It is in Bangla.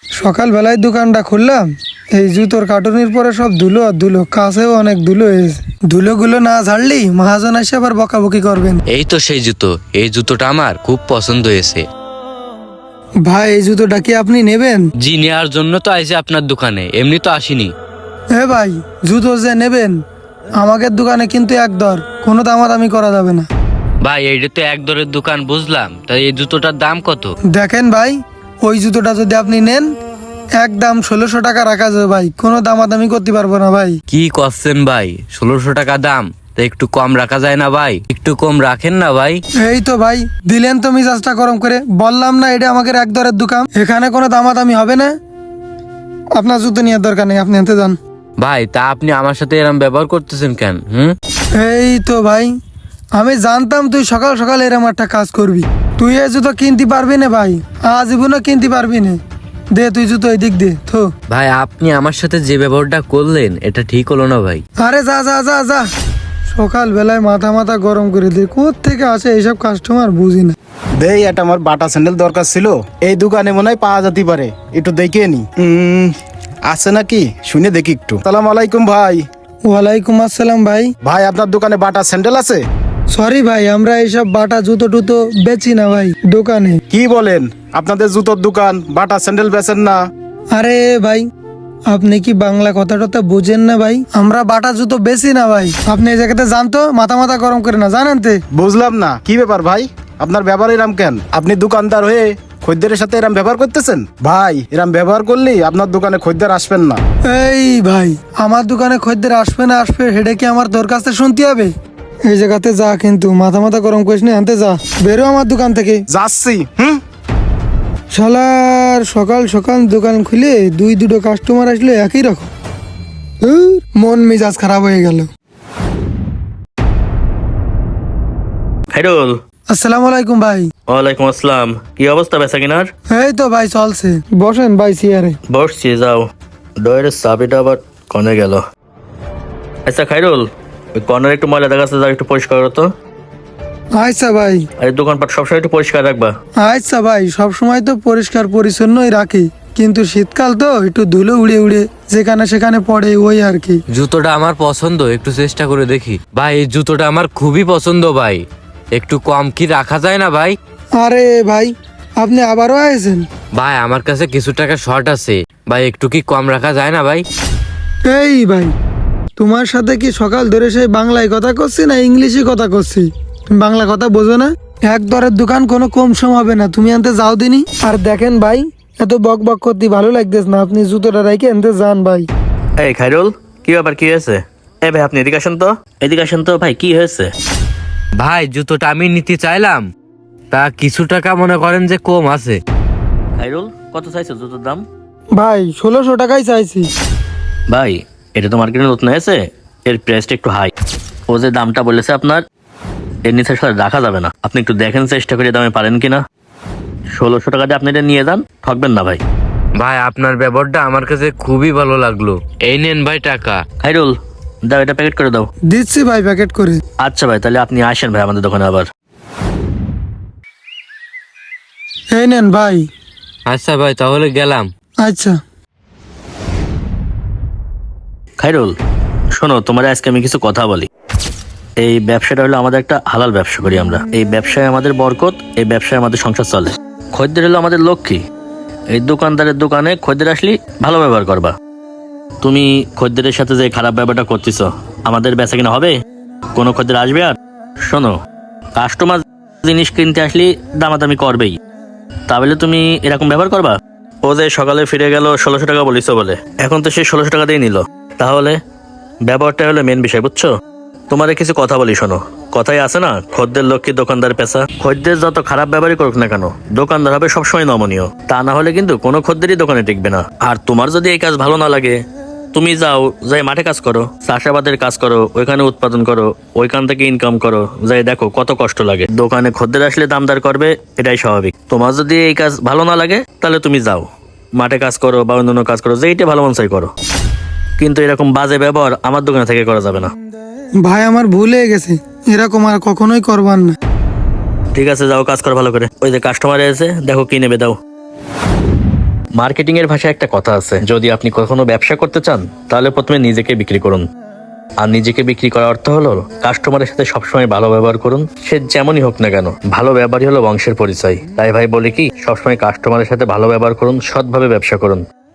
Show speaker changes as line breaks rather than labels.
সকালবেলায় দোকানটা খুললাম, এই জুতোর কার্টুনের পরে সব ধুলো আর ধুলো, কাছেও অনেক ধুলো হয়েছে। ধুলোগুলো না ঝাড়লেই মহাজন এসে আবার বকাবকি করবেন।
এই তো সেই জুতো, এই জুতোটা আমার খুব পছন্দ হয়েছে।
ভাই এই জুতোটা কি আপনি নেবেন?
জি, নেওয়ার জন্য তো আইছি আপনার দোকানে, এমনি তো আসিনি।
ভাই জুতো যে নেবেন আমাদের দোকানে কিন্তু এক দর, কোনো দামাদামি করা যাবে না।
ভাই এইটা তো এক দরের দোকান বুঝলাম, তাই এই জুতোটার দাম কত?
দেখেন ভাই, ওই জুতোটা যদি আপনি নেন একদম 1600 টাকা রাখা যাবে ভাই, কোনো দামাদামি করতে পারবো না ভাই।
কি করছেন ভাই, 1600 টাকা দাম? তা একটু কম রাখা যায় না ভাই? একটু কম রাখেন না ভাই।
এই তো ভাই দিলেন তো মিজাজটা গরম করে, বললাম না এটা আমাদের এক দরের দোকান, এখানে কোনো দামাদামি হবে না। আপনার জুতো নেওয়ার দরকার নেই, আপনি আনতে যান।
ভাই তা আপনি আমার সাথে এরম ব্যবহার করতেছেন কেন?
এই তো ভাই আমি জানতাম তুই সকাল সকাল এরম একটা কাজ করবি। তুই এই জুতো কিনতে পারবি না ভাই, আজীবনও কিনতে পারবি না। দে তুই জুতো এই দিক দে থো।
ভাই আপনি আমার সাথে যে ব্যবহারটা করলেন এটা ঠিক হলো না ভাই।
আরে যা যা যা যা, সকাল বেলায় মাথা মাথা গরম করে দে, কোত্থেকে আসে এইসব কাস্টমার বুঝি না।
দেই এটা আমার বাটা স্যান্ডেল দরকার ছিল, এই দোকানে মনে হয় পাওয়া যেতে পারে, একটু দেখে নি। আছে নাকি শুনে দেখি একটু। সালাম আলাইকুম ভাই।
ওয়ালাইকুম আসসালাম ভাই।
ভাই আপনার দোকানে বাটা স্যান্ডেল আছে?
সরি ভাই, আমরা এইসব বাটা জুতো টুতো বেচি না ভাই দোকানে।
কি বলেন, আপনাদের জুতোর দোকান, বাটা স্যান্ডেল বেচেন না?
আরে ভাই আপনি কি বাংলা কথা টথা বুঝেন না ভাই? আমরা বাটা জুতো বেশি না ভাই, আপনি এই জায়গাতে জানতো মাথা মাথা গরম করে না, জানেন তে?
বুঝলাম না কি ব্যাপার ভাই, আপনার ব্যবহার এরাম কেন? আপনি দোকানদার হয়ে খদ্দেরের সাথে এরাম ব্যবহার করতেছেন? ভাই এরাম ব্যবহার করলে আপনার দোকানে খদ্দের আসবেন না।
এই ভাই আমার দোকানে খদ্দের আসবে না আসবে সেটা কি আমার তোর কাছে শুনতে হবে? এই জায়গাতে যা, কিন্তু মাথা মাথা গরম করিস না, আনতে যা, বেরো আমার দোকান থেকে।
যাচ্ছি।
শালার সকাল সকাল দোকান খুলে দুটো কাস্টমার আসলে একই রকম। মন মেজাজ খারাপ হয়ে গেল।
খাইরুল,
আসসালামু আলাইকুম ভাই।
ওয়ালাইকুম আসসালাম। কি অবস্থা বেচা কিনার?
এই তো ভাই চলছে, বসেন ভাই চেয়ারে।
বসছি, যাও। ডয়ের চাবিটা আবার কনে গেল? আচ্ছা খাইরুল, ওই কর্নার একটু ময়লা দেখা যাচ্ছে, একটু পরিষ্কার করো তো।
আচ্ছা ভাই।
আর এই দোকানপাট সবসময় একটু পরিষ্কার রাখবা।
আচ্ছা ভাই, সব সময় তো পরিষ্কার পরিচ্ছন্নই রাখি, কিন্তু শীতকাল তো একটু ধুলো উড়ে উড়ে যেখানে সেখানে পড়ে, ওই আর কি।
জুতোটা আমার পছন্দ, একটু চেষ্টা করে দেখি। ভাই এই জুতোটা আমার খুবই পছন্দ ভাই, একটু কম কি রাখা যায় না ভাই?
আরে ভাই আপনি আবারও আয়েছেন?
ভাই আমার কাছে কিছু টাকা শর্ট আছে ভাই, একটু কি কম রাখা যায় না ভাই?
এই ভাই তোমার সাথে কি সকাল ধরে সেই বাংলায় কথা করছি না ইংলিশে কথা করছি? তুমি বাংলা কথা বোঝো না? এক দরের দোকান কোনো কম সম হবে না, তুমি আনতে যাও দিনি। আর দেখেন ভাই এত বক বক করতে ভালো লাগতেছে না, আপনি জুতোটা রাইকে আনতে যান ভাই।
এই খাইরুল, কি ব্যাপার, কি হয়েছে? এই ভাই আপনি এদিকে আসেন তো, এদিকে আসেন তো ভাই, কি হয়েছে?
ভাই জুতোটা আমি নিতে চাইলাম, তা কিছু টাকা মনে করেন যে কম আছে।
খাইরুল, কত চাইছো জুতোর দাম?
ভাই 1600 টাকাই চাইছি।
ভাই এটা তো মার্কেটে নতুন হয়েছে, এর প্রাইসটা একটু হাই। ও যে দামটা বলেছে আপনার, এর নিচে রাখা যাবে না। আপনি একটু দেখেন চেষ্টা করে দামে পারেন কিনা। 1600 টাকা দিয়ে আপনি এটা নিয়ে যান, ঠকবেন না ভাই।
ভাই আপনার ব্যবহারটা আমার কাছে খুবই ভালো লাগলো, এই নেন ভাই টাকা।
খাইরুল, দাও, এটা প্যাকেট করে দাও।
দিচ্ছি ভাই প্যাকেট করে।
আচ্ছা ভাই, তাহলে আপনি আসেন ভাই আমাদের দোকানে আবার।
এই নেন ভাই।
আচ্ছা ভাই তাহলে গেলাম।
আচ্ছা।
খাইরুল শোনো, তোমার আজকে আমি কিছু কথা বলি। এই ব্যবসাটা হলো আমাদের একটা হালাল ব্যবসা করি আমরা। এই ব্যবসায় আমাদের বরকত, এই ব্যবসায় আমাদের সংসার চলে। খদ্দের হলো আমাদের লক্ষ্মী। এই দোকানদারের দোকানে খদ্দের আসলে ভালো ব্যবহার করবা। তুমি খদ্দের সাথে যে খারাপ ব্যবহারটা করতেছ, আমাদের বেচা কিনা হবে? কোনো খদ্দের আসবে? আর শোনো, কাস্টমার জিনিস কিনতে আসলে দামাদামি করবেই, তাহলে তুমি এরকম ব্যবহার করবা? ও যে সকালে ফিরে গেল 1600 টাকা বলিস বলে, এখন তো সে 1600 টাকা দিয়ে নিল, তাহলে ব্যবহারটা হলো মেন বিষয়, বুঝছো? তোমার কিছু কথা বলি, শোনো। কথাই আছে না, খদ্দের লক্ষ্মী দোকানদার পেশা। খদ্দের যত খারাপ ব্যবহারই করুক না কেন, দোকানদার হবে সবসময় নমনীয়। তা না হলে কিন্তু কোনো খদ্দেরই দোকানে টিকবে না। আর তোমার যদি এই কাজ ভালো না লাগে, তুমি যাও, যাই মাঠে কাজ করো, চাষাবাদের কাজ করো, ওইখানে উৎপাদন করো, ওইখান থেকে ইনকাম করো, যাই দেখো কত কষ্ট লাগে। দোকানে খদ্দের আসলে দামদার করবে, এটাই স্বাভাবিক। তোমার যদি এই কাজ ভালো না লাগে, তাহলে তুমি যাও মাঠে কাজ করো বা অন্যান্য কাজ করো, যেইটা ভালো মন চাই করো, কিন্তু এরকম বাজে ব্যবহার আমার দোকানে থেকে করা যাবে না।
ভাই আমার ভুল হয়ে গেছে, এরকম আর কখনোই করবার না।
ঠিক আছে, যাও কাজ করো ভালো করে। ওই যে কাস্টমার এসে, দেখো কি নেবে, দাও। মার্কেটিং এর ভাষায় একটা কথা আছে, যদি আপনি কখনো ব্যবসা করতে চান তাহলে প্রথমে নিজেকে বিক্রি করুন। আর নিজেকে বিক্রি করার অর্থ হলো কাস্টমারের সাথে সবসময় ভালো ব্যবহার করুন, সে যেমনই হোক না কেন। ভালো ব্যবহারই হলো বংশের পরিচয়। তাই ভাই বলি কি, সবসময় কাস্টমারের সাথে ভালো ব্যবহার করুন, সৎভাবে ব্যবসা করুন।